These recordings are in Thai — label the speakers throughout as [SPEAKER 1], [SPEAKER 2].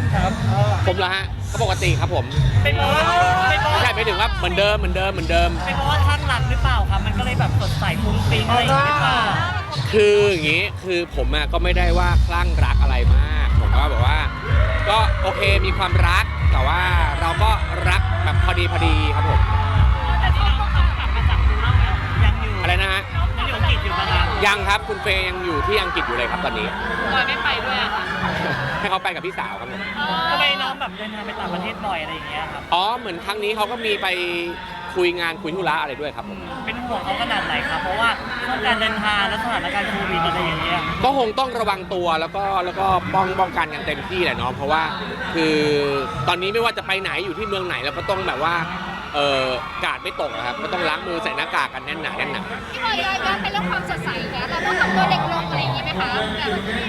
[SPEAKER 1] ครับ
[SPEAKER 2] ผมเหรอฮะก็ปกติครับผม
[SPEAKER 1] เป็นเพราะว่า
[SPEAKER 2] ไม่ใช่ไม่ถึงว่าเหมือนเดิม
[SPEAKER 1] เป็นเพราะว่าข้างหลักหรือเปล่าครับมันก็เลยแบบสดใสฟุ้งฟิ้งอะไรอย่างเงี้ยหรือเปล่า
[SPEAKER 2] คืออย่างนี้คือผมก็ไม่ได้ว่าคลั่งรักอะไรมากผมก็แบบว่าก็โอเคมีความรักแต่ว่าเราก็รักแบบพอดีครับผม
[SPEAKER 1] แต่ที่เราต้องกลับมาจากดูแล้วยังอยู่
[SPEAKER 2] อะไรนะฮะ
[SPEAKER 1] ยังอยู่อังกฤษอยู่นะครับ
[SPEAKER 2] ยังครับคุณเฟย์ยังอยู่ที่อังกฤษอยู่เลยครับตอนนี้
[SPEAKER 1] บอยไม่ไปด้วยอะค่ะ
[SPEAKER 2] ให้เขาไปกับพี่สาวครับผม
[SPEAKER 1] ทำไมน้องแบบเดินทางไปต่างประเทศบ่อยอะไรอย่างเงี้ยครับ
[SPEAKER 2] อ๋อเหมือนครั้งนี้เขาก็มีไปคุยงานคุยธุระอะไรด้วยครับผม
[SPEAKER 1] เป็นห่วงเขาขนาดไหนครับ เพราะว่าช่วงการเดินทางและสถานการณ์โควิดอะไรอย่างเงี้ย
[SPEAKER 2] ก็คงต้องระวังตัวแล้วก็ป้องกันกันเต็มที่แหละเนาะเพราะว่าคือตอนนี้ไม่ว่าจะไปไหนอยู่ที่เมืองไหนเราก็ต้องแบบว่ากาดไม่ตกนะครับก็ต้องล้างมือใส่หน้ากากกันแน่นหนา
[SPEAKER 3] พี่บอยย้อนไปเรื่องความสดใสเนี่ยเราต้องทำตัวเด็กลงอะไรอย่างงี้ไหมคะแบบ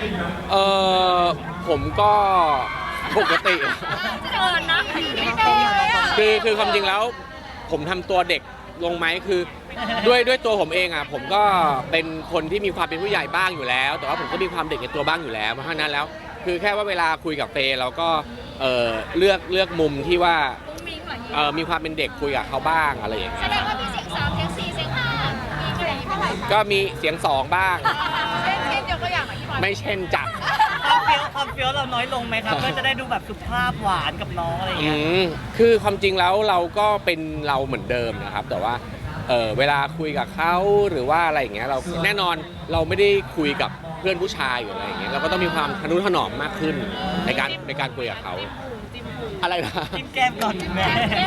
[SPEAKER 2] ผมก็ปกติ
[SPEAKER 3] จะโดนนะไม่โดนเลยอ่ะ
[SPEAKER 2] คือความจริงแล้วผมทำตัวเด็กลงไหมคือด้วยตัวผมเองผมก็เป็นคนที่มีความเป็นผู้ใหญ่บ้างอยู่แล้ว แต่ว่าผมก็มีความเด็กในตัวบ้างอยู่แล้วเพราะฉะนั้นแล้ว คือแค่ว่าเวลาคุยกับเฟย์เราก็เลือกมุมที่ว่า
[SPEAKER 3] มีเหมือน
[SPEAKER 2] มีความเป็นเด็กคุยกับเขาบ้างอะไรอย่าง
[SPEAKER 3] แส
[SPEAKER 2] เงี้ย
[SPEAKER 3] ดงว่ามีเสียง3เสียง4เสียง5มีอะไรเท่าไหร่คะ
[SPEAKER 2] ก็มีเสียง2บ้าง
[SPEAKER 3] เช่นยกตัวอย่างหน่อยพี่บอย
[SPEAKER 2] ไม่เช่นจัก
[SPEAKER 1] ความเฟี้ยวเราน้อยลงไหมครับ เพื่อจะได้ดูแบบสุภาพหวานกับน้องอะไรอย่างเงี้ย
[SPEAKER 2] คือความจริงแล้วเราก็เป็นเราเหมือนเดิมนะครับ แต่ว่าเวลาคุยกับเขาหรือว่าอะไรอย่างเงี้ยเราแน่นอนเราไม่ได้คุยกับเพื่อนผู้ชายหรืออะไรอย่างเงี้ยเราก็ต้องมีความทนุถนอมมากขึ้นในการคุยกับเขาอะไรนะ
[SPEAKER 1] จิ้มแก้มก่อนแม่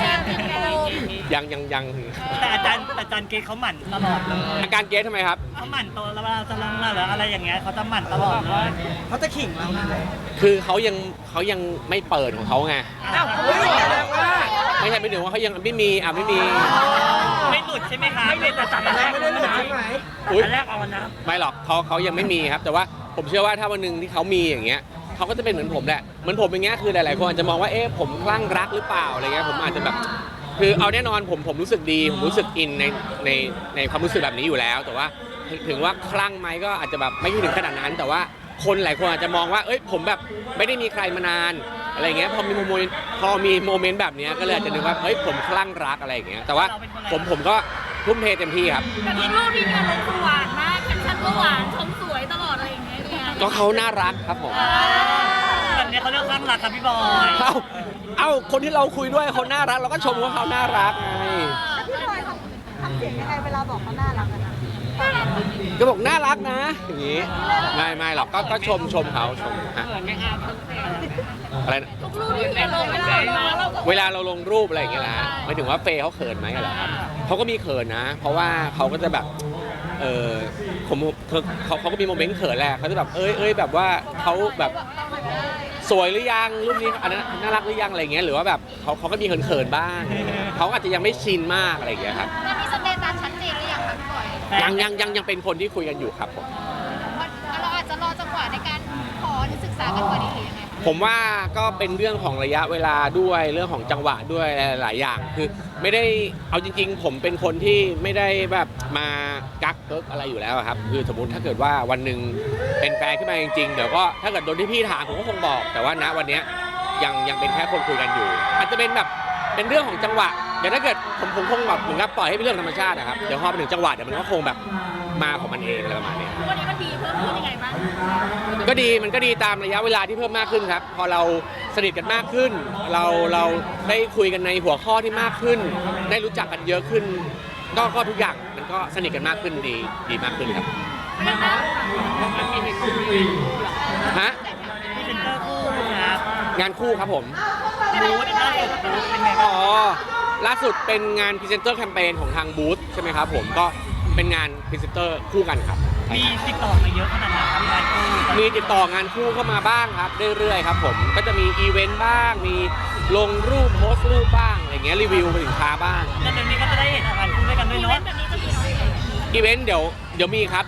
[SPEAKER 2] ยัง
[SPEAKER 1] แต่อาจารย์เกรทเขาหมั่นตลอดเลย
[SPEAKER 2] อาการเกสทำไมครับ
[SPEAKER 1] เขาหมั่นตัวแล้วเวลาจะลงหรืออะไรอย่างเงี้ยเขาจะหมั่นตลอดเลยเขาจะขิงเรา
[SPEAKER 2] คือเขายังไม่เปิดของเขาไงไม่ใช่ไม่ถึงว่าเขายังไม่มีไม่มี
[SPEAKER 1] ไม่หลุดใช่ไหมคะไม่แต่จัดแรกไม่ได้หลุดใช่ไหม
[SPEAKER 2] อุ๊ย
[SPEAKER 1] อันแรกเอานะ
[SPEAKER 2] ไม่หรอกเขายังไม่มีครับ แต่ว่าผมเชื่อว่าถ้าวันหนึ่งที่เขามีอย่างเงี้ยเขาก็จะเป็นเหมือนผมแหละเหมือนผมอย่างเงี้ยคือหลายๆคนอาจจะมองว่าผมคลั่งรักหรือเปล่าอะไรเงี้ยผมอาจจะแบบคือเอาแน่นอนผมรู้สึกดีผมรู้สึกอินในความรู้สึกแบบนี้อยู่แล้ว แต่ว่าถึงว่าคลั่งไหมก็อาจจะแบบไม่ถึงขนาดนั้น แต่ว่าคนหลายคนอาจจะมองว่าผมแบบไม่ได้มีใครมานานอะไรเงี้ยพอมีโมเมนต์แบบเนี้ยก็เลยอาจจะนึกว่าผมคลั่งรักอะไรอย่างเงี้ยแต่ว่าผมก็ทุ่มเทเต็มที่ครับ
[SPEAKER 3] แต่มีรูปที่การลงคือหวานมากแคปชั่นก็หวานชมสวยตลอดอะไรอย่างเงี้ยเนี่ย
[SPEAKER 2] ก็เขาน่ารักครับผม
[SPEAKER 1] แบบนี้เขาเรียกข้างหลักครับพี่บอย
[SPEAKER 2] เอ้าคนที่เราคุยด้วยเขาน่ารักเราก็ชมว่าเขาน่ารักไง
[SPEAKER 3] พี่บอยทำเสียงยังไงเวลาบอกเขาน่ารักกันนะ
[SPEAKER 2] ก็บอกน่ารักนะอย่างงี้ไม่หรอกก็ชมเขาชมฮะอะไรนะ
[SPEAKER 3] ทุกรูปที่เราลงเราก็
[SPEAKER 2] เวลาเราลงรูปอะไรอย่างเงี้ยนะหมายถึงว่าเฟย์เขาเขินไหมเหรอครับเขาก็มีเขินนะ เพราะว่าเขาก็จะแบบเขาก็มีโมเมนต์เขินแหละเขาจะแบบแบบว่าเขาแบบสวยหรือยังรูปนี้อันนั้นน่ารักหรือยังอะไรเงี้ยหรือว่าแบบเขาก็มีเขินๆบ้างเขาอาจจะยังไม่ชินมากอะไรอย่างเงี้ยครับ
[SPEAKER 3] มันมีสเตตัสชัดเจนหรือยังคะพี่บอย
[SPEAKER 2] ยังเป็นคนที่คุยกันอยู่ครับผม
[SPEAKER 3] เราอาจจะรอจังหวะในการขอหรือศึกษากันก่อนดีหรือยังไงคะ
[SPEAKER 2] ผมว่าก็เป็นเรื่องของระยะเวลาด้วยเรื่องของจังหวะด้วยหลายอย่างคือไม่ได้เอาจริงๆผมเป็นคนที่ไม่ได้แบบมากักเกิกอะไรอยู่แล้วครับคือสมมติถ้าเกิดว่าวันหนึ่งเป็นแฟนขึ้นมาจริงๆเดี๋ยวก็ถ้าเกิดโดนที่พี่ถามผมก็คงบอกแต่ว่าณวันเนี้ยยังเป็นแค่คนคุยกันอยู่ อาจจะเป็นแบบเป็นเรื่องของจังหวะเดี๋ยวถ้าเกิดผมคงแบบเหมือนกับปล่อยให้เป็นเรื่องธรรมชาตินะครับเดี๋ยวพอไปถึงจังหวะเดี๋ยวมันก็คงแบบมาของมันเองอะไรประมาณนี้
[SPEAKER 3] วันนี้มันดีเพิ่มขึ้นยังไงบ้าง
[SPEAKER 2] มันก็ดีตามระยะเวลาที่เพิ่มมากขึ้นครับพอเราสนิทกันมากขึ้น เราได้คุยกันในหัวข้อที่มากขึ้น ได้รู้จักกันเยอะขึ้นก็ทุกอย่างมันก็สนิทกันมากขึ้นดีมากขึ้นครับฮะ
[SPEAKER 1] พรีเซนเตอร์คู่ครับ
[SPEAKER 2] งานคู่ครับผม
[SPEAKER 1] บูธล่าสุดบูธเป็นไงบ้าง
[SPEAKER 2] ล่าสุดเป็นงานพรีเซนเตอร์แคมเปญของทางบูธใช่ไหมครับผมก็เป็นงานพรีเซนเตอร์คู่กันครับ
[SPEAKER 1] มีติดต่อมาเยอะขนาดไหนครับงานคู่
[SPEAKER 2] มีติดต่องานคู่เข้ามาบ้างครับเรื่อยๆครับผมก็จะมีอีเวนต์บ้างมีลงรูปโพสต์รูปบ้างอะไรเงี้ยรีวิวสินค้าบ้าง
[SPEAKER 1] แล้วเดี๋ยวนี้ก็จะได้เห็นงานคู่ด้วยกันด้วย
[SPEAKER 3] อีเว
[SPEAKER 1] เนาะ
[SPEAKER 3] นต์แบบนี้จะมีน้อยไหม
[SPEAKER 2] อีเวนต์เดี๋ยวมีครับ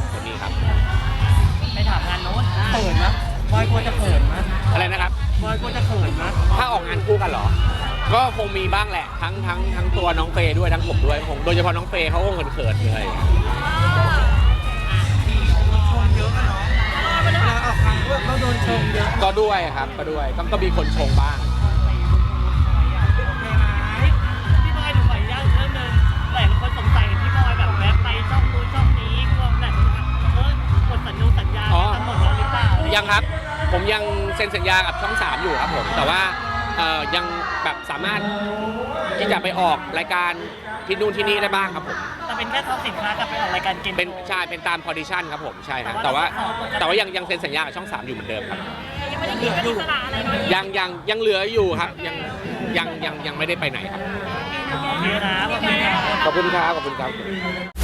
[SPEAKER 1] ไปถามงานโน้นเขินนะบอยกลัวจะเขินนะ
[SPEAKER 2] อะไรนะครับ
[SPEAKER 1] บอยกลัวจะเขินนะ
[SPEAKER 2] ถ้าออกงานคู่กันเหรอ ก็คงมีบ้างแหละทั้งตัวน้องเฟย์ด้วยทั้งผมด้วยคงโดยเฉพาะน้องเฟย์เขาคงเขินๆเลย
[SPEAKER 1] ชมเยอะอะเนาะเวลาออกงานเราโดนชมเยอะ
[SPEAKER 2] ก็ก็ด้วยครับก็ด้วยก็มีคนชงบ้าง
[SPEAKER 1] โอเคไหมพี่บอยหนูขออนุญาตเรื่องนึงหลายคนสงสัยเห็นพี่บอยแบบแวะไปช่องนู้นช่องนี้กลัวแบบกดสัญญาทั้งหมดแล้วหรือเปล่า
[SPEAKER 2] ยังครับผมยังเซ็นสัญญากับช่อง 3อยู่ครับผมแต่ว่ายังแบบสามารถที่จะไปออกรายการที่นู่นที่นี่ได้บ้างครับผม
[SPEAKER 1] แต่เป็นแค่ท็อปสินค้ากับไปออกรายการเกม
[SPEAKER 2] เป็นใช่เป็นตามพอดิชันครับผมใช่ครับแต่ว่ายังเซ็นสัญญากับช่อง 3อยู่เหมือนเดิมครับ
[SPEAKER 3] ยังไม่ได้คิดว่าอิสระอะไรเนาะ
[SPEAKER 2] ยังเหลืออยู่ครับยังไม่ได้ไปไหนครับ
[SPEAKER 1] โอเคนะ
[SPEAKER 2] ขอบคุณครับ